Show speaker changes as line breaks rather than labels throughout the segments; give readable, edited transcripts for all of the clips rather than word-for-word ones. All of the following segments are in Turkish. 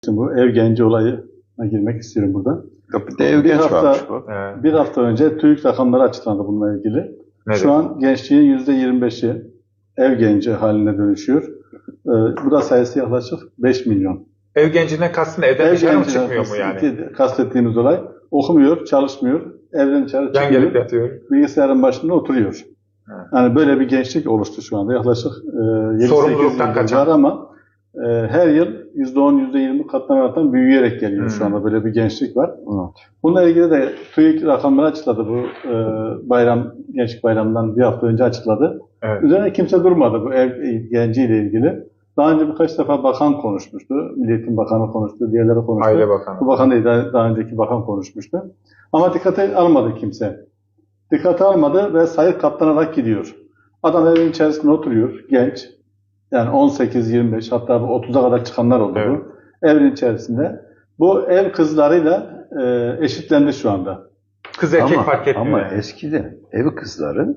Bu ev genci olayına girmek istiyorum burada.
Bir de ev genç varmış bu.
Bir hafta önce TÜİK rakamları açıklandı bununla ilgili.
Evet.
Şu an gençliğin %25'i ev genci haline dönüşüyor. Bu da sayısı yaklaşık 5 milyon.
Ev gencinden kastın evden dışarı mı çıkmıyor mu yani?
Kastettiğimiz olay okumuyor, çalışmıyor, evden dışarı
Yan gelip
çıkıyor,
yatıyor.
bilgisayarın başında oturuyor.
Evet.
Yani böyle bir gençlik oluştu şu anda. Yaklaşık 7-8
Sorumluluktan
yıldır
kaçan.
var ama her yıl %10, %20 katlanarak büyüyerek geliyor şu anda. Böyle bir gençlik var.
Evet.
Bununla ilgili de TÜİK rakamları açıkladı. Bu gençlik bayramından bir hafta önce açıkladı.
Evet.
Üzerine kimse durmadı bu ev genciyle ilgili. Daha önce birkaç defa bakan konuşmuştu. Milli Eğitim Bakanı konuştu, diğerleri konuştu.
Aile Bakanı.
Bu bakan değil, daha önceki bakan konuşmuştu. Ama dikkate almadı kimse. Dikkate almadı ve sayı katlanarak gidiyor. Adam evin içerisinde oturuyor, genç. Yani 18-25 hatta 30'a kadar çıkanlar oldu
Evet.
bu. Evin içerisinde. Bu ev kızlarıyla eşitlendi şu anda.
Kız erkek fark etmiyor.
Ama
yani.
eskiden ev kızları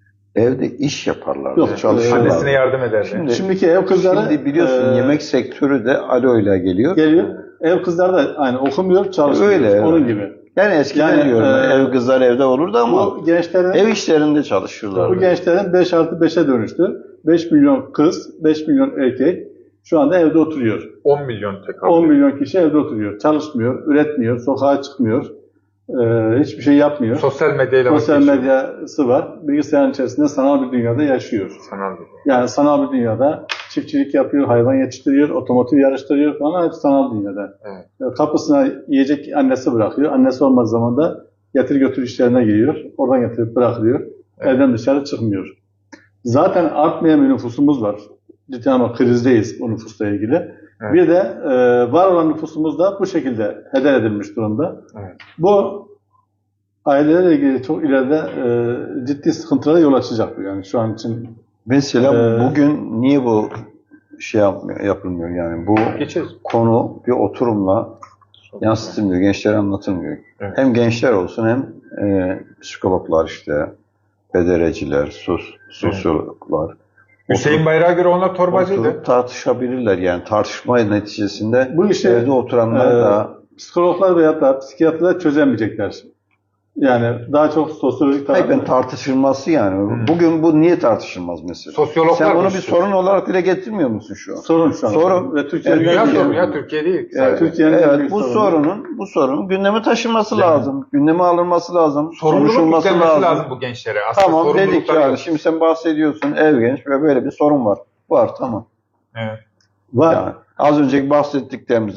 evde iş yaparlardı.
Yok,
çalışırlardı.
Annesine yardım ederdi.
Şimdiki ev kızları
Şimdi biliyorsun yemek sektörü de alo ile geliyor.
geliyor. Ev kızları da aynı okumuyor, çalışmıyor.
Öyle,
Onun
evet.
gibi.
Yani eskiden
Yani,
diyorum ev kızlar evde olurdu ama
Bu gençlerin
ev işlerinde çalışıyorlardı.
Bu gençlerin 5+5'e dönüştü. 5 milyon kız, 5 milyon erkek şu anda evde oturuyor.
10 milyon tek
10 milyon kişi evde oturuyor. Çalışmıyor, üretmiyor, sokağa çıkmıyor. Hiçbir şey yapmıyor.
Sosyal medyayla
Sosyal
vakit
medyası var. Bilgisayarın içerisinde sanal bir dünyada yaşıyor.
sanal bir.
Yani sanal bir dünyada çiftçilik yapıyor, hayvan yetiştiriyor, otomotiv yarıştırıyor falan, hep sanal dünyada.
Evet.
Kapısına yiyecek annesi bırakıyor. Annesi olmadığı zaman da getir götür işlerine giriyor. Oradan getirip bırakılıyor.
Evet.
Evden dışarı çıkmıyor. Zaten artmayan bir nüfusumuz var. Ciddi ama krizdeyiz bu nüfusla ilgili.
Evet.
Bir de var olan nüfusumuz da bu şekilde heder edilmiş durumda.
Evet.
Bu ailelerle ilgili çok ileride ciddi sıkıntılara yol açacak bu yani şu an için.
Mesela bugün niye bu şey yapılmıyor yani bu
Geçeriz.
konu bir oturumla yansıtılmıyor, gençlere anlatılmıyor.
Evet.
Hem gençler olsun hem psikologlar işte, pedereciler, sosyologlar.
Hüseyin Bayrak'a göre onlar torbacıydı.
Oturup tartışabilirler yani tartışma neticesinde
Bu işi
evde oturanlar da
psikologlar veya da psikiyatrlar çözemeyecekler. Yani daha çok sosyolojik
hayır, tartışılması yani. Bugün bu niye tartışılmaz mesela?
Sosyologlar
Sen bunu bir
düşünüyor.
sorun olarak dile getirmiyor musun şu an?
sorun şu an.
Sorun.
Ve Türkiye'nin
Dünya
en büyük
sorunu ya, Türkiye değil.
Evet,
Türkiye'nin en
evet
büyük
bu
sorunu.
sorunun gündeme taşınması
Yani.
lazım. Gündeme alınması lazım.
Sorumluluk
Konuşulması
yüklenmesi lazım bu gençlere. Aslında
Tamam dedik
sorumlulukları
yani.
yok.
Şimdi sen bahsediyorsun ev genç ve böyle bir sorun var. Var tamam.
Evet.
var.
Yani az önceki bahsettiklerimiz